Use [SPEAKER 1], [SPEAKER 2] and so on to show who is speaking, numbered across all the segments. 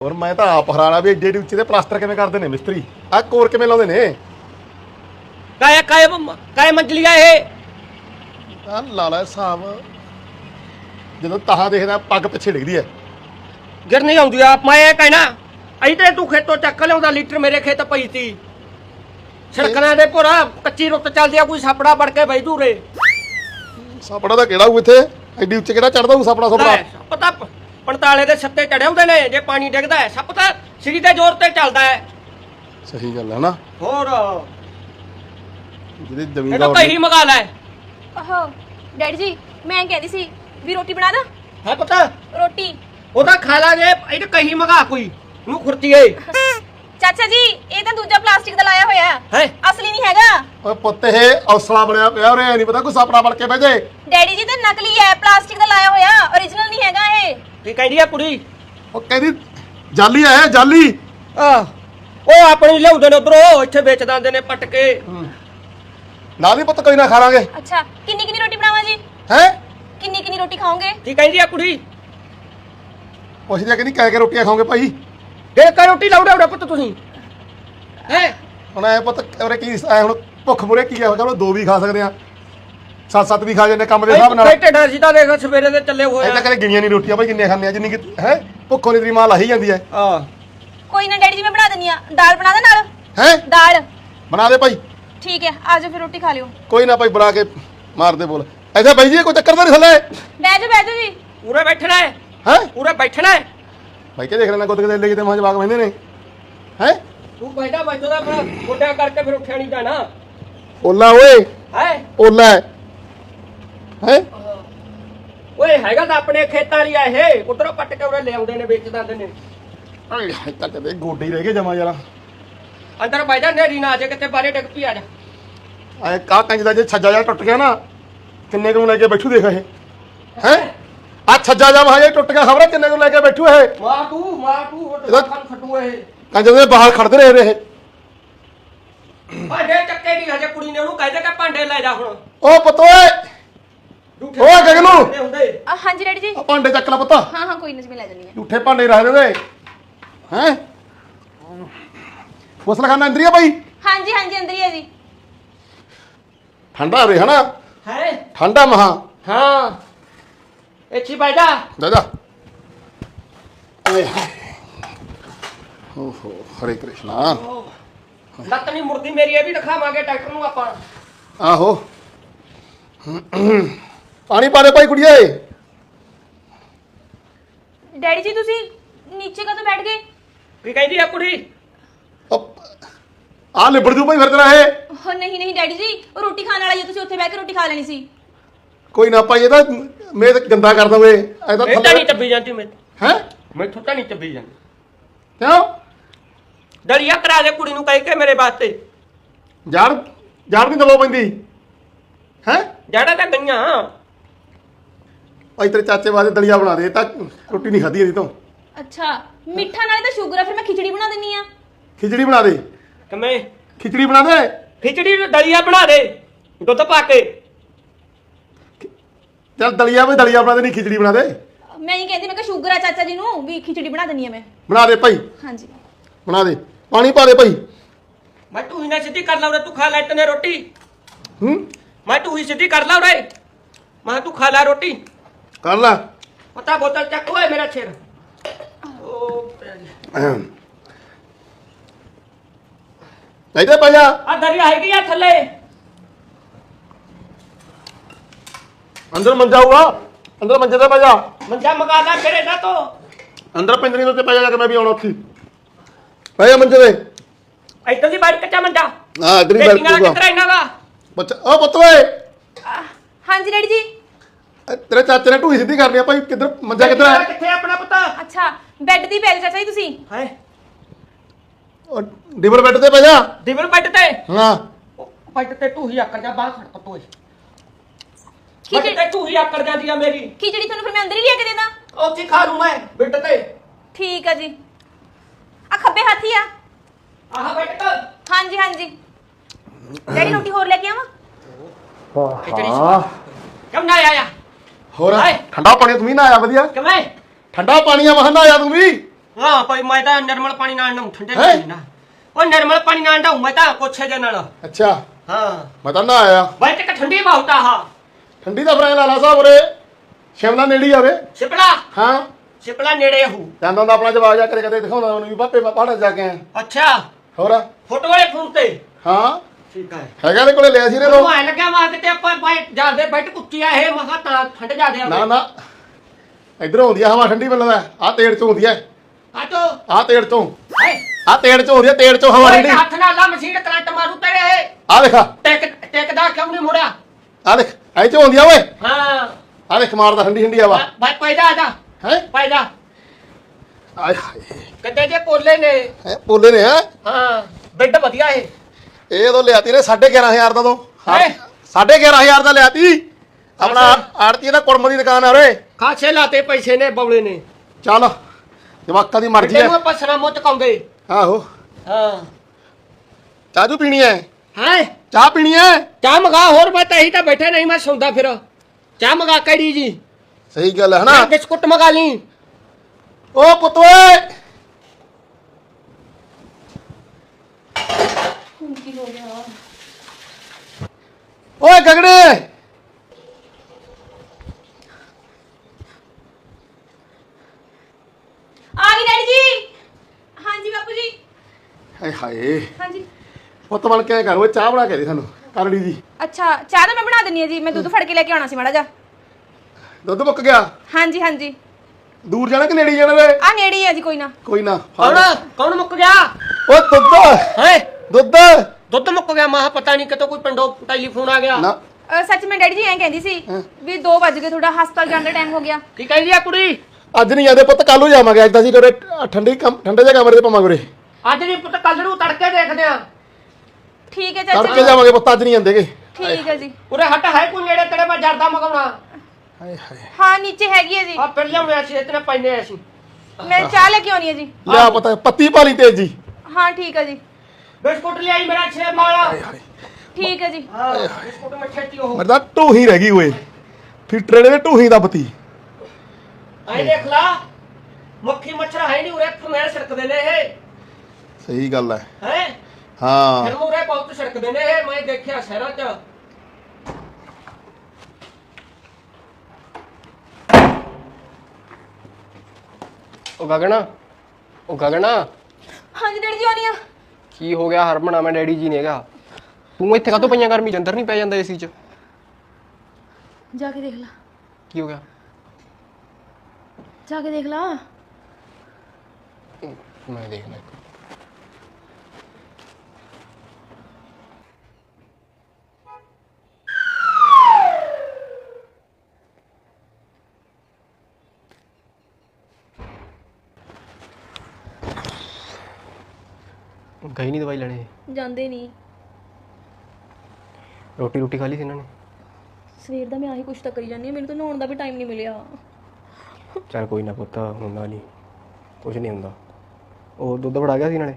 [SPEAKER 1] और मैं तो आप हैरान भी एडे एडे उच्चे ते प्लास्टर किवें करदे ने मिस्त्री आ कोर किवें लाउंदे ने
[SPEAKER 2] काय मंजली है ये
[SPEAKER 1] आ लाला साहब ਜਦੋਂ ਤਾਹਾਂ ਦੇਖਦਾ ਪੱਗ ਪਿੱਛੇ ਡਿੱਗਦੀ ਐ
[SPEAKER 2] गिर नहीं आउंदी आप मैं ये कहना इधर तू खेतों चक लिया लीटर मेरे खेत पई थी सड़कना दे पूरा कच्ची रुत चल दिया कोई सापड़ा बढ़ के बही दूरे
[SPEAKER 1] ਸਾਪੜਾ ਦਾ ਕਿਹੜਾ ਹੋਊ ਇੱਥੇ ਐਡੀ ਉੱਚੇ ਕਿਹੜਾ ਚੜਦਾ ਹੋਊ ਸਾਪੜਾ ਸਾਪੜਾ
[SPEAKER 2] पता पंताले दे सत्ते चढ़े होंदे ने जे पानी डिगदा है सब पता सिरी दे जोर ते चलदा है
[SPEAKER 1] ਸਹੀ ਗੱਲ ਹੈ ਨਾ
[SPEAKER 2] और
[SPEAKER 1] ਜਿਹਦੀ
[SPEAKER 2] ये
[SPEAKER 1] ਜ਼ਮੀਨ
[SPEAKER 2] तो
[SPEAKER 1] ਦਾ
[SPEAKER 2] कहीं मगा ला है
[SPEAKER 3] ओहो डैडी जी मैं कहती सी भी रोटी बना दा
[SPEAKER 2] है पता
[SPEAKER 3] रोटी
[SPEAKER 2] ओदा खा लांगे इधर कहीं मगा कोई नु खुरती है
[SPEAKER 3] ਚਾਚਾ ਜੀ ਇਹ ਤਾਂ ਦੂਜਾ ਪਲਾਸਟਿਕ ਦਾ ਲਾਇਆ ਹੋਇਆ
[SPEAKER 2] है
[SPEAKER 3] ਅਸਲੀ ਨਹੀਂ ਹੈਗਾ
[SPEAKER 1] ਓਏ ਪੁੱਤ ਇਹ ਔਸਲਾ ਬਣਿਆ ਪਿਆ ਉਰੇ ਨਹੀਂ ਪਤਾ ਕੋਈ ਸਾਪੜਾ ਬਣ ਕੇ ਬਹਿ ਜੇ
[SPEAKER 3] ਡੈਡੀ ਜੀ ਤੇ ਨਕਲੀ ਹੈ ਪਲਾਸਟਿਕ ਦਾ ਲਾਇਆ ਹੋਇਆ origignal ਨਹੀਂ ਹੈਗਾ ਇਹ
[SPEAKER 2] की कहंदी है कुड़ी
[SPEAKER 1] ਉਹ ਕਹਿੰਦੀ ਜਾਲੀ ਹੈ ਜਾਲੀ
[SPEAKER 2] ओ अपनी लियाउंदे ने उधरों इत्थे बेच दांदे ने पट के
[SPEAKER 1] ਨਾ ਦੀ ਪੁੱਤ ਕੋਈ ਨਾ ਖਾ ਲਾਂਗੇ
[SPEAKER 3] ਅੱਛਾ ਕਿੰਨੀ ਕਿੰਨੀ ਰੋਟੀ ਬਣਾਵਾਂ ਜੀ
[SPEAKER 1] ਹੈ
[SPEAKER 3] ਕਿੰਨੀ ਕਿੰਨੀ ਰੋਟੀ ਖਾਓਗੇ
[SPEAKER 2] की कहंदी है कुड़ी
[SPEAKER 1] ਪੁੱਛਦੀ ਆ ਕਹਿੰਦੀ ਕਹਿ ਕੇ ਰੋਟੀਆਂ ਖਾਓਗੇ ਭਾਈ
[SPEAKER 2] ਦੇ ਕੇ ਰੋਟੀ ਲਾਉੜਾ ਉੜਾ ਪੁੱਤ ਤੁਸੀਂ ਹੈ
[SPEAKER 1] ਹੁਣ ਐ ਪੁੱਤ ਉਰੇ ਕੀ ਐ ਹੁਣ ਭੁੱਖ ਮੁਰੇ ਕੀ ਆ ਚਲੋ ਦੋ ਵੀ ਖਾ ਸਕਦੇ ਆ ਸੱਤ ਸੱਤ ਵੀ ਖਾ ਜਾਂਦੇ ਕੰਮ ਦੇ ਹਿਸਾਬ ਨਾਲ
[SPEAKER 2] ਕਈ ਢੇਡਾਂ ਸੀ ਤਾਂ ਦੇਖ ਸਵੇਰੇ ਦੇ ਚੱਲੇ ਹੋਏ
[SPEAKER 1] ਐ ਤਾਂ ਕਦੇ ਗਿਣੀਆਂ ਨਹੀਂ ਰੋਟੀਆਂ ਭਾਈ ਕਿੰਨੀਆਂ ਖਾਂਦੇ ਆ ਜਿੰਨੀ ਕਿ ਹੈ ਭੁੱਖੋਂ ਦੀ ਤੇਰੀ ਮਾਂ ਲਾਹੀ ਜਾਂਦੀ ਐ
[SPEAKER 2] ਆ
[SPEAKER 3] ਕੋਈ ਨਾ ਡੈਡੀ ਜੀ ਮੈਂ ਬਣਾ ਦਿੰਨੀ ਆ ਦਾਲ ਬਣਾ ਦੇ ਨਾਲ
[SPEAKER 1] ਹੈ
[SPEAKER 3] ਦਾਲ
[SPEAKER 1] ਬਣਾ ਦੇ ਭਾਈ
[SPEAKER 3] ਠੀਕ ਹੈ ਆ ਜਾਓ ਫਿਰ ਰੋਟੀ ਖਾ ਲਿਓ
[SPEAKER 1] ਕੋਈ ਨਾ ਭਾਈ ਬਣਾ ਕੇ ਮਾਰ ਦੇ ਬੋਲ ਐਸਾ ਭਾਈ ਜੀ ਕੋਈ ਚੱਕਰ ਤਾਂ ਨਹੀਂ ਥੱਲੇ
[SPEAKER 3] ਬਹਿ ਜਾਓ ਜੀ
[SPEAKER 2] ਪੂਰੇ ਬੈਠਣਾ ਹੈ
[SPEAKER 1] ਹੈ
[SPEAKER 2] ਪੂਰੇ ਬੈਠਣਾ ਹੈ
[SPEAKER 1] ਭਾਈ ਕੇ ਦੇਖ ਲੈਣਾ ਕੁੱਤ ਕਿਤੇ ਲੈ ਕਿਤੇ ਮਾਂ ਜਵਾਕ ਬਹਿੰਦੇ ਨੇ ਹੈ
[SPEAKER 2] ਤੂੰ ਬੈਠਾ ਬੈਠੋ ਦਾ ਆਪਣਾ ਗੋਡਿਆਂ ਕਰਕੇ ਫਿਰ ਉੱਠਿਆ ਨਹੀਂ ਜਾਣਾ
[SPEAKER 1] ਓਲਾ ਓਏ
[SPEAKER 2] ਹੈ
[SPEAKER 1] ਓਲਾ ਹੈ
[SPEAKER 2] ਓਏ ਹੈਗਾ ਤਾਂ ਆਪਣੇ ਖੇਤਾਂ ਵਾਲੀ ਆ ਇਹ ਉਧਰੋਂ ਪੱਟ ਕੇ ਉਰੇ ਲੈ ਆਉਂਦੇ ਨੇ ਵੇਚ ਦਿੰਦੇ ਨੇ
[SPEAKER 1] ਹਾਏ ਤਾਂ ਕਦੇ ਗੋਡੇ ਹੀ ਰਹਿ ਗਏ ਜਮਾ ਯਾਰਾ
[SPEAKER 2] ਅੰਦਰ ਬੈਠਾ ਨੇਰੀ ਨਾ ਆ ਜਾ ਕਿਤੇ ਬਾਰੇ ਡਿੱਗ ਪਈ ਆ ਜਾ
[SPEAKER 1] ਆਏ ਕਾ ਕੰਜ ਦਾ ਜੇ ਛੱਜਾ ਜਾ ਟੁੱਟ ਗਿਆ ਨਾ ਕਿੰਨੇ ਕੁ ਲੈ ਕੇ ਬੈਠੂ ਦੇਖ ਇਹ ਹੈ ਆ ਛੱਜਾ ਜਾ ਮਹਾਜੇ ਟੁੱਟ ਗਿਆ ਖਬਰ ਕਿੰਨੇ ਕੁ ਲੈ ਕੇ ਬੈਠੂ ਇਹ
[SPEAKER 2] ਮਾਰ ਤੂੰ
[SPEAKER 1] ਇਹਦਾ-
[SPEAKER 2] ਖਾਨ ਖੱਟੂ ਇਹ
[SPEAKER 1] ਕੰਜ ਦੇ ਬਾਹਰ ਖੜਦੇ ਰਹੇ
[SPEAKER 2] ਭਾਂਡੇ ਚੱਕੇ ਨਹੀਂ ਹਜੇ ਕੁੜੀ ਨੇ ਉਹਨੂੰ ਕਹਿ ਦੇ ਕਿ ਭਾਂਡੇ ਲੈ ਜਾ ਹੁਣ
[SPEAKER 1] ਓ ਪੁੱਤ ਓਏ
[SPEAKER 2] ਝੂਠੇ
[SPEAKER 1] ਓਏ ਗਗਨੂ
[SPEAKER 2] ਹੁੰਦੇ
[SPEAKER 3] ਹਾਂਜੀ ਡੈਡੀ ਜੀ
[SPEAKER 1] ਆ ਭਾਂਡੇ ਚੱਕ ਲੈ ਪੁੱਤ
[SPEAKER 3] ਹਾਂ ਹਾਂ ਕੋਈ ਨਾ ਜੀ ਮੈਂ ਲੈ ਜਾਂਦੀ ਆ
[SPEAKER 1] ਝੂਠੇ ਭਾਂਡੇ ਰੱਖ ਦੇ ਹੈ ਫਸਲ ਖਾਣਾ ਅੰਦਰੀਆ ਭਾਈ
[SPEAKER 3] ਹਾਂਜੀ ਹਾਂਜੀ ਅੰਦਰ ਹੀ ਹੈ ਜੀ
[SPEAKER 1] ਠੰਡਾ ਰੇ ਹਨਾ
[SPEAKER 2] ਹੈ
[SPEAKER 1] ਠੰਡਾ ਮਹਾ
[SPEAKER 2] ਹਾਂ ਇੱਥੇ ਬੈਠਾ
[SPEAKER 1] ਦਾਦਾ ਓਏ ਓਹੋ ਹਰੇ ਕ੍ਰਿਸ਼ਨਾ
[SPEAKER 2] ਲੱਤ ਨਹੀਂ ਮੁਰਦੀ ਮੇਰੀ ਇਹ ਵੀ ਦਿਖਾਵਾਂਗੇ ਡਾਕਟਰ ਨੂੰ ਆਪਾਂ
[SPEAKER 1] ਆਹੋ ਪਾਣੀ ਪਾ ਦੇ ਭਾਈ ਕੁੜੀਏ
[SPEAKER 3] ਡੈਡੀ ਜੀ ਤੁਸੀਂ ਨੀਚੇ ਕਦੋਂ ਬੈਠ ਗਏ
[SPEAKER 2] ਕੀ ਕਹਿੰਦੀ ਆ ਕੁੜੀ
[SPEAKER 1] ਆ ਲਿਬੜ ਜੂ ਭਾਈ ਫਿਰ ਤੇਰਾ ਇਹ
[SPEAKER 3] ਹੋ ਨਹੀਂ ਨਹੀਂ ਡੈਡੀ ਜੀ ਉਹ ਰੋਟੀ ਖਾਣ ਵਾਲਾ ਜੀ ਤੁਸੀਂ ਉੱਥੇ ਬਹਿ ਕੇ ਰੋਟੀ ਖਾ ਲੈਣੀ ਸੀ
[SPEAKER 1] ਕੋਈ ਨਾ ਭਾਈ ਇਹਦਾ ਮੈਂ ਤਾਂ ਗੰਦਾ ਕਰ ਦਵੇ ਐਦਾ
[SPEAKER 2] ਇਹ ਤਾਂ ਨਹੀਂ ਚੱਬੀ ਜਾਂਦੀ ਮੈਂ
[SPEAKER 1] ਹੈ
[SPEAKER 2] ਮੈਥੋਂ ਤਾਂ ਨਹੀਂ ਚੱਬੀ ਜਾਂਦੀ
[SPEAKER 1] ਕਿਉਂ
[SPEAKER 2] ਦਲੀਆ ਕਰਾ ਦੇ ਕੁੜੀ ਨੂੰ ਕਹਿ ਕੇ ਮੇਰੇ ਵਾਸਤੇ
[SPEAKER 1] ਜੜ ਨਹੀਂ ਦਬੋ ਪੈਂਦੀ ਹੈ
[SPEAKER 2] ਜੜਾ ਤਾਂ ਗਈਆਂ
[SPEAKER 1] ਭਾਈ ਤੇਰੇ ਚਾਚੇ ਵਾਸਤੇ ਦਲੀਆ ਬਣਾ ਦੇ ਇਹ ਤਾਂ ਰੋਟੀ ਨਹੀਂ ਖਾਧੀ ਇਹਦੀ ਤੋਂ
[SPEAKER 3] ਅੱਛਾ ਮਿੱਠਾ ਨਾਲੇ ਤਾਂ ਸ਼ੂਗਰ ਹੈ ਫਿਰ ਮੈਂ ਖਿਚੜੀ ਬਣਾ ਦਿੰਨੀ ਆ
[SPEAKER 1] ਖਿਚੜੀ ਬਣਾ ਦੇ
[SPEAKER 2] ਕਿਵੇਂ
[SPEAKER 1] ਖਿਚੜੀ ਬਣਾ ਦੇ
[SPEAKER 2] ਖਿਚੜੀ ਨੂੰ ਦਲੀਆ ਬਣਾ ਦੇ ਦੁੱਧ ਪਾ ਕੇ
[SPEAKER 1] ਚੱਲ ਦਲੀਆ ਬਣਾ ਦੇ ਨਹੀਂ ਖਿਚੜੀ ਬਣਾ ਦੇ
[SPEAKER 3] ਮੈਂ ਨਹੀਂ ਕਹਿੰਦੀ ਮੈਂ ਕਿ ਸ਼ੂਗਰ ਆ ਚਾਚਾ ਜੀ ਨੂੰ ਵੀ ਖਿਚੜੀ ਬਣਾ ਦਿੰਨੀ ਆ ਮੈਂ
[SPEAKER 1] ਬਣਾ ਦੇ ਭਾਈ
[SPEAKER 3] ਹਾਂਜੀ
[SPEAKER 1] ਬਣਾ ਦੇ ਪਾਣੀ ਪਾ ਦੇ ਭਾਈ
[SPEAKER 2] ਮੈਂ ਤੂੰ ਹੀ ਨਾ ਸਿੱਧੀ ਕਰ ਲਾ ਉਰੇ ਤੂੰ ਖਾ ਲੈ ਤਨੇ ਰੋਟੀ
[SPEAKER 1] ਹੂੰ
[SPEAKER 2] ਮੈਂ ਤੂੰ ਹੀ ਸਿੱਧੀ ਕਰ ਲਾ ਉਰੇ ਮੈਂ ਤੂੰ ਖਾ ਲੈ ਰੋਟੀ
[SPEAKER 1] ਕਰ ਲੈ
[SPEAKER 2] ਪਤਾ ਬੋਤਲ ਚੱਕ ਓਏ ਮੇਰਾ ਛੇਰ
[SPEAKER 1] ਇੱਥੇ ਪੈ ਜਾ
[SPEAKER 2] ਆ ਦਰਿਆ ਹੈਗੀ ਆ ਥੱਲੇ
[SPEAKER 1] ਅੰਦਰ ਮੰਜਾ ਹੋਊਗਾ ਅੰਦਰ ਮੰਜੇ ਤੇ ਪੈ ਜਾ
[SPEAKER 2] ਮੰਜਾ ਮਗਾ ਲੈ ਫਿਰ ਇਹਦਾ ਤੋਂ
[SPEAKER 1] ਅੰਦਰ ਪਿੰਜਰੀ ਦੇ ਉੱਤੇ ਪੈ ਜਾ ਕੇ ਮੈਂ ਵੀ ਆਉਣਾ ਉੱਥੇ ਪੈ ਜਾ ਮੰਜੇ ਤੇ
[SPEAKER 2] ਇੱਧਰ ਦੀ ਬਾਈਕ ਕੱਚਾ ਮੰਜਾ
[SPEAKER 1] ਹਾਂ ਇੱਧਰ ਹੀ
[SPEAKER 2] ਬੈਠੀਆਂ
[SPEAKER 1] ਬੈਠੂਗਾ
[SPEAKER 2] ਕਿੱਧਰ ਇਹਨਾਂ ਦਾ
[SPEAKER 1] ਬੱਚਾ ਓ ਪੁੱਤ ਓਏ
[SPEAKER 3] ਹਾਂਜੀ ਡੈਡੀ ਜੀ
[SPEAKER 1] ਤੇਰੇ ਚਾਚੇ ਨੇ ਢੂਈ ਸਿੱਧੀ ਕਰਨੀ ਆ ਭਾਈ ਕਿੱਧਰ ਮੰਜਾ ਕਿੱਧਰ ਹੈ
[SPEAKER 2] ਕਿੱਥੇ ਆਪਣਾ ਪਤਾ
[SPEAKER 3] ਅੱਛਾ ਬੈੱਡ ਦੀ ਪੈ ਜਾ ਚਾਚਾ ਜੀ ਤੁਸੀਂ
[SPEAKER 2] ਹੈ
[SPEAKER 1] ਉਹ ਡਿਬਲ ਬੈੱਡ ਤੇ ਪੈ ਜਾ
[SPEAKER 2] ਦਿਵਲ ਬੱਟ ਤੇ
[SPEAKER 1] ਹਾਂ
[SPEAKER 2] ਬੱਟ ਤੇ ਤੂੰ ਹੀ ਆਕੜ ਜਾ ਬਾਹਰ ਖੜ ਤੂੰ ਬੱਟ
[SPEAKER 3] ਖਿਚੜੀ
[SPEAKER 2] ਤੇ ਤੂੰ ਹੀ ਆਕੜ ਜਾਂਦੀ ਆ ਮੇਰੀ
[SPEAKER 3] ਖਿਚੜੀ ਤੁਹਾਨੂੰ ਫਿਰ ਮੈਂ ਅੰਦਰ ਹੀ ਲਿਆ ਕੇ ਦੇ ਦਾਂ
[SPEAKER 2] ਉੱਥੇ ਖਾ ਲੂ ਮੈਂ ਬਿੱਟ ਤੇ
[SPEAKER 3] ਠੀਕ ਆ ਜੀ ਆ ਖੱਬੇ ਹੱਥ ਹੀ ਆ
[SPEAKER 2] ਆਹ ਬੈਠ
[SPEAKER 3] ਹਾਂਜੀ ਹਾਂਜੀ ਡੈਡੀ ਰੋਟੀ ਹੋਰ ਲੈ ਕੇ ਆਵਾਂ
[SPEAKER 2] ਖਿਚੜੀ ਕਿਉਂ ਨਾ ਆਇਆ
[SPEAKER 1] ਹੋਰ
[SPEAKER 2] ਹਾਏ।
[SPEAKER 1] ਠੰਡਾ ਪਾਣੀ ਤੂੰ ਵੀ ਨਾ ਆਇਆ ਵਧੀਆ
[SPEAKER 2] ਕਿਵੇਂ
[SPEAKER 1] ਠੰਡਾ ਪਾਣੀ ਆ ਮਹਾਂ ਨਾ ਆਇਆ ਤੂੰ ਵੀ
[SPEAKER 2] ਹਾਂ ਭਾਈ ਮੈਂ ਤਾਂ ਨਿਰਮਲ ਪਾਣੀ ਨਾਲ ਨਹਾਉਂ ਠੰਡੇ
[SPEAKER 1] ਹੈਂ?
[SPEAKER 2] ਪਾਣੀ ਨਾਲ ਉਹ ਨਿਰਮਲ ਪਾਣੀ ਨਾਲ ਨਹਾਉਂ ਮੈਂ ਤਾਂ ਕੋਛੇ ਦੇ ਨਾਲ
[SPEAKER 1] ਅੱਛਾ
[SPEAKER 2] ਹਾਂ
[SPEAKER 1] ਮੈਂ ਤਾਂ ਨਾ ਆਇਆ
[SPEAKER 2] ਬਾਈ ਤੇ ਠੰਡੀ ਬਹੁਤ ਆ ਹਾਂ
[SPEAKER 1] ਠੰਡੀ ਦਾ ਫਰਾਂ ਲਾਲਾ ਸਾਹਿਬ ਉਰੇ ਸ਼ਿਮਲਾ ਨੇੜੀ ਆਵੇ
[SPEAKER 2] ਸਿਪਲਾ
[SPEAKER 1] ਹਾਂ
[SPEAKER 2] ਸਿਪਲਾ ਨੇੜੇ ਹੂ
[SPEAKER 1] ਜਾਂਦਾ ਹੁੰਦਾ ਆਪਣਾ ਜਵਾਬ ਜਾ ਕਰੇ ਕਦੇ ਦਿਖਾਉਂਦਾ ਉਹਨੂੰ ਵੀ ਪਾਪੇ ਮੈਂ ਪਹਾੜਾਂ 'ਚ ਜਾ ਕੇ ਆਇਆ
[SPEAKER 2] ਅੱਛਾ
[SPEAKER 1] ਹੋਰ
[SPEAKER 2] ਫੋਟੋ ਵਾਲੇ ਫੋਨ ਤੇ
[SPEAKER 1] ਹਾਂ
[SPEAKER 2] ਠੀਕ ਹੈ
[SPEAKER 1] ਹੈਗਾ ਇਹਦੇ ਕੋਲੇ ਲਿਆ ਸੀ ਰੇ
[SPEAKER 2] ਉਹ ਐ ਲੱਗਿਆ ਮਾਰ ਤੇ ਆਪਾਂ ਬਾਈ ਜਾਂਦੇ ਬੈਠ ਕੁੱਤੀ ਆ ਇਹ ਮਹਾ ਤਾਂ ਠੰਡ ਜਾਂਦੇ ਆ
[SPEAKER 1] ਨਾ ਨਾ ਇਧਰੋਂ ਆਉਂਦੀ ਆ ਹਵਾ ਠੰਡੀ ਮਿਲਦਾ ਆ ਤੇੜ ਚੋਂ ਹੁੰਦੀ ਆ
[SPEAKER 2] ਆ ਤੋ
[SPEAKER 1] ਆ ਤੇੜ ਚੋਂ
[SPEAKER 2] ਹੈ
[SPEAKER 1] ਆ ਤੇੜ ਚੋਂ ਹੁੰਦੀ ਆ ਤੇੜ ਚੋਂ ਹਵਾ
[SPEAKER 2] ਓਏ
[SPEAKER 1] ਠੰਡੀ
[SPEAKER 2] ਹੱਥ ਨਾਲ ਲਾ ਮਸ਼ੀਨ ਕਰੰਟ ਮਾਰੂ ਤੇਰੇ
[SPEAKER 1] ਆ ਦੇਖਾ
[SPEAKER 2] ਟਿਕਦਾ ਕਿਉਂ ਨਹੀਂ ਮੁੜਿਆ
[SPEAKER 1] ਆ ਦੇਖ ਐ ਚੋਂ ਹੁੰਦੀ ਆ ਓਏ
[SPEAKER 2] ਹਾਂ
[SPEAKER 1] ਆ ਦੇਖ ਮਾਰਦਾ ਠੰਡੀ ਠੰਡੀ ਹਵਾ
[SPEAKER 2] ਬਾਈ ਪੈਦਾ ਆ ਜਾ
[SPEAKER 1] ਹੈ
[SPEAKER 2] ਪੈਦਾ
[SPEAKER 1] ਆਏ ਹਾਏ
[SPEAKER 2] ਕਿੱਡੇ ਜੇ ਪੋਲੇ ਨੇ
[SPEAKER 1] ਹੈ ਬੋਲੇ ਨੇ ਹੈ
[SPEAKER 2] ਹਾਂ ਬਿੱਡ ਵਧੀਆ ਇਹ
[SPEAKER 1] ਇਹ ਉਦੋਂ ਲਿਆਤੀ ਨੇ 11500 ਦਾ ਤੋਂ
[SPEAKER 2] ਹੈਂ?
[SPEAKER 1] 11500 ਦਾ ਲਿਆਤੀ ਆਪਣਾ ਆੜਤੀ ਦਾ ਕੁੜਮ ਦੀ ਦੁਕਾਨ ਆ ਰੇ
[SPEAKER 2] ਖਾਸੇ ਲਾਤੇ ਪੈਸੇ ਨੇ ਬੌਲੇ ਨੇ
[SPEAKER 1] ਚੱਲ ਜਵਾਕਾਂ ਦੀ ਮਰਜ਼ੀ
[SPEAKER 2] ਤੈਨੂੰ
[SPEAKER 1] ਹੈ
[SPEAKER 2] ਆਪਾਂ ਸਰਾਮੋ ਚਕਾਉਂਦੇ
[SPEAKER 1] ਆਹੋ
[SPEAKER 2] ਹਾਂ
[SPEAKER 1] ਚਾਹ ਤੂੰ ਪੀਣੀ ਹੈ
[SPEAKER 2] ਹੈ
[SPEAKER 1] ਚਾਹ ਪੀਣੀ ਹੈ
[SPEAKER 2] ਚਾਹ ਮਗਾ ਹੋਰ ਮੈਂ ਤਾਂ ਇਹੀ ਤਾਂ ਬੈਠੇ ਨਹੀਂ ਮੈਂ ਸੌਂਦਾ ਫਿਰ ਚਾਹ ਮਗਾ ਕਿਹੜੀ ਜੀ
[SPEAKER 1] ਸਹੀ ਗੱਲ ਹੈ ਨਾ
[SPEAKER 2] ਬਿਸਕੁਟ ਮਗਾ ਲਈ
[SPEAKER 1] ਓ ਪੁੱਤ ਓਏ
[SPEAKER 3] ਕੀ ਹੋ ਗਿਆ
[SPEAKER 1] ਓਏ ਗਗੜੇ
[SPEAKER 3] ਆ ਗਈ ਡੈਡੀ ਜੀ ਹਾਂਜੀ ਬਾਪੂ ਜੀ
[SPEAKER 1] ਹਾਏ ਹਾਏ
[SPEAKER 3] ਹਾਂਜੀ
[SPEAKER 1] ਪੁੱਤ ਬਣ ਕੇ ਕਰ ਓਏ ਚਾਹ ਬਣਾ ਕੇ ਦੇ ਸਾਨੂੰ ਕਰੜੀ ਜੀ
[SPEAKER 3] ਅੱਛਾ ਚਾਹ ਤਾਂ ਮੈਂ ਬਣਾ ਦਿੰਨੀ ਆ ਜੀ ਮੈਂ ਦੁੱਧ ਫੜ ਕੇ ਲੈ ਕੇ ਆਉਣਾ ਸੀ ਮਾੜਾ ਜਾ
[SPEAKER 1] ਦੁੱਧ ਮੁੱਕ ਗਿਆ
[SPEAKER 3] ਹਾਂਜੀ ਹਾਂਜੀ
[SPEAKER 1] ਦੂਰ ਜਾਣਾ ਕਿ ਨੇੜੇ ਜਾਣਾ ਵੇ
[SPEAKER 3] ਆ ਨੇੜੇ ਹੀ ਆ ਜੀ ਕੋਈ ਨਾ
[SPEAKER 1] ਕੋਈ ਨਾ
[SPEAKER 2] ਕੌਣ ਕੌਣ ਮੁੱਕ ਗਿਆ
[SPEAKER 1] ਓ ਦੁੱਧ
[SPEAKER 2] ਹੈ
[SPEAKER 1] ਦੁੱਧ
[SPEAKER 2] ਦੁੱਧ ਮੁੱਕ ਗਿਆ ਮਾਹ ਪਤਾ ਨਹੀਂ ਕਿਤੋਂ ਕੋਈ ਪਿੰਡੋਂ ਟੈਲੀਫੋਨ ਆ ਗਿਆ
[SPEAKER 1] ਨਾ
[SPEAKER 3] ਸੱਚ ਮੈਂ ਡੈਡੀ ਜੀ ਐਂ ਕਹਿੰਦੀ ਸੀ ਵੀ 2 ਵਜ ਗਏ ਥੋੜਾ ਹਸਪਤਾਲ ਜਾਣ ਦਾ ਟਾਈਮ ਹੋ ਗਿਆ
[SPEAKER 2] ਕੀ ਕਹਿੰਦੀ ਆ ਕੁੜੀ
[SPEAKER 1] ਅੱਜ ਨਹੀਂ ਜਾਂਦੇ ਪੁੱਤ ਕੱਲ ਨੂੰ ਜਾਵਾਂਗੇ ਅੱਜ ਤਾਂ ਅਸੀਂ ਕੋਰੇ ਠੰਡੇ ਜਿਹੇ ਕਮਰੇ ਤੇ ਪਾਵਾਂਗੇ ਉਰੇ
[SPEAKER 2] ਅੱਜ ਨਹੀਂ ਪੁੱਤ ਕੱਲ ਨੂੰ ਤੜਕੇ ਦੇਖਦੇ ਆ
[SPEAKER 3] ਠੀਕ ਹੈ
[SPEAKER 1] ਤੜਕੇ
[SPEAKER 3] ਚਾਚਾ
[SPEAKER 1] ਜਾਵਾਂਗੇ ਪੁੱਤ ਅੱਜ ਨਹੀਂ ਜਾਂਦੇਗੇ
[SPEAKER 3] ਠੀਕ ਹੈ ਜੀ
[SPEAKER 2] ਉਰੇ ਹੱਟ ਹੈ ਕੋਈ ਨੇੜੇ ਤੇਰੇ ਮੈਂ ਜਰਦਾ ਮਗਾਉਣਾ
[SPEAKER 1] ਹਾਏ ਹਾਏ
[SPEAKER 3] ਹਾਂ ਨੀਚੇ ਹੈਗੀ ਹੈ ਜੀ
[SPEAKER 2] ਆ ਫਿਰ ਲਿਆਉਣੇ ਅਸੀਂ ਇਤਨੇ ਪੈਨੇ ਅਸੀਂ
[SPEAKER 3] ਮੈਂ ਚਾਹ ਲੈ ਕੇ ਆਉਣੀ ਹੈ ਜੀ
[SPEAKER 1] ਲਿਆ ਪਤਾ ਪੱਤੀ ਪਾਲੀ ਤੇਜ ਜੀ
[SPEAKER 3] ਹਾਂ ਠੀਕ ਹੈ ਜੀ
[SPEAKER 2] ਬਿਸਕੁਟ ਲਿਆਈ ਮੇਰਾ 6 ਮਾਲਾ
[SPEAKER 3] ਠੀਕ ਹੈ ਜੀ
[SPEAKER 2] ਹਾਂ ਬਿਸਕੁਟ ਮੈਂ ਛੇਤੀ ਉਹ
[SPEAKER 1] ਮੇਰੇ ਤਾਂ ਢੂਹੀ ਰਹਿ ਗਈ ਓਏ ਫਿੱਟਰੇ ਨੇ ਢੂਹੀ ਦੱਬਤੀ
[SPEAKER 2] ਆਈ ਦੇਖ ਲਾ ਮੱਖੀ ਮੱਛਰ ਹੈ ਨਹੀਂ ਉਰੇ ਫਮੇਰ ਛਿੜਕਦੇ ਨੇ ਇਹ
[SPEAKER 1] ਸਹੀ ਗੱਲ ਹੈ
[SPEAKER 2] ਹੈ
[SPEAKER 1] ਹਾਂ
[SPEAKER 2] ਫਿਰ ਉਰੇ ਬਹੁਤ ਛਿੜਕਦੇ ਨੇ ਇਹ ਮੈਂ ਦੇਖਿਆ ਸ਼ਹਿਰਾਂ 'ਚ
[SPEAKER 4] ਉਹ ਗਗਨਾ
[SPEAKER 3] ਹਾਂਜੀ ਡੈਡੀ ਜੀ ਆਉਣੀ ਆ
[SPEAKER 4] ਕੀ ਹੋ ਗਿਆ ਹਰਮਨ ਆ ਮੈਂ ਡੈਡੀ ਜੀ ਨੇਗਾ ਤੂੰ ਇੱਥੇ ਕਾਹਤੋਂ ਪਈਆਂ ਗਰਮੀ ਚ ਅੰਦਰ ਨਹੀਂ ਪੈ ਜਾਂਦਾ ਏਸੀ ਚ
[SPEAKER 3] ਜਾ ਕੇ ਦੇਖ ਲਾ
[SPEAKER 4] ਕੀ ਹੋ ਗਿਆ
[SPEAKER 3] ਜਾ ਕੇ ਦੇਖ ਲਾ
[SPEAKER 4] ਮੈਂ ਦੇਖਣਾ ਗਈ ਨਹੀਂ ਦਵਾਈ ਲੈਣੇ
[SPEAKER 3] ਜਾਂਦੇ ਨਹੀਂ
[SPEAKER 4] ਰੋਟੀ ਖਾ ਲਈ ਸੀ ਇਹਨਾਂ ਨੇ
[SPEAKER 3] ਸਵੇਰ ਦਾ ਮੈਂ ਆਹੀ ਕੁਛ ਤਾਂ ਕਰੀ ਜਾਂਦੀ ਹਾਂ ਮੈਨੂੰ ਤਾਂ ਨਹਾਉਣ ਦਾ ਵੀ ਟਾਈਮ ਨਹੀਂ ਮਿਲਿਆ
[SPEAKER 4] ਚੱਲ ਕੋਈ ਨਾ ਪੁੱਤ ਹੁੰਦਾ ਨਹੀਂ ਕੁਝ ਨਹੀਂ ਹੁੰਦਾ ਉਹ ਦੁੱਧ ਫੜਾ ਗਿਆ ਸੀ ਨਾਲੇ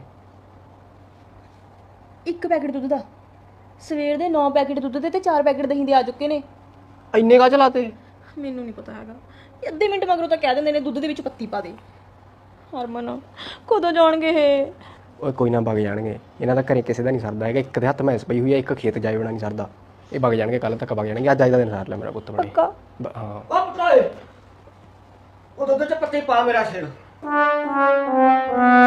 [SPEAKER 3] ਇੱਕ ਪੈਕੇਟ ਦੁੱਧ ਦਾ ਸਵੇਰ ਦੇ 9 ਪੈਕੇਟ ਦੁੱਧ ਦੇ ਤੇ 4 ਪੈਕੇਟ ਦਹੀਂ ਦੇ ਆ ਚੁੱਕੇ ਨੇ
[SPEAKER 4] ਇੰਨੇ ਕਾ ਚਲਾਤੇ
[SPEAKER 3] ਮੈਨੂੰ ਨਹੀਂ ਪਤਾ ਹੈਗਾ ਅੱਧੇ ਮਿੰਟ ਮਗਰੋਂ ਤਾਂ ਕਹਿ ਦਿੰਦੇ ਨੇ ਦੁੱਧ ਦੇ ਵਿੱਚ ਪੱਤੀ ਪਾ ਦੇ ਹਰਮਨ ਕਦੋਂ ਜਾਣਗੇ ਇਹ
[SPEAKER 4] ਓਏ ਕੋਈ ਨਾ ਵਗ ਜਾਣਗੇ ਇਹਨਾਂ ਦਾ ਘਰੇ ਕਿਸੇ ਦਾ ਨਹੀਂ ਸਰਦਾ ਹੈਗਾ ਇੱਕ ਦੇ ਹੱਥ ਮੈਸ ਪਈ ਹੋਈ ਹੈ ਇੱਕ ਖੇਤ ਜਾਏ ਬਣਾ ਨਹੀਂ ਸਰਦਾ ਇਹ ਵਗ ਜਾਣਗੇ ਕੱਲ ਤੱਕ ਵਗ ਜਾਣਗੇ ਅੱਜ ਦਾ ਦਿਨ ਸਾਰ ਲੈ ਮੇਰਾ ਪੁੱਤ ਬਣੇ
[SPEAKER 3] ਪੱਕਾ
[SPEAKER 4] ਹਾਂ
[SPEAKER 2] ਉਹ ਪੁੱਤ ਓਏ ਉਹ ਦੁੱਧ 'ਚ ਪੱਤੀ ਪਾ ਮੇਰਾ ਸਿਰ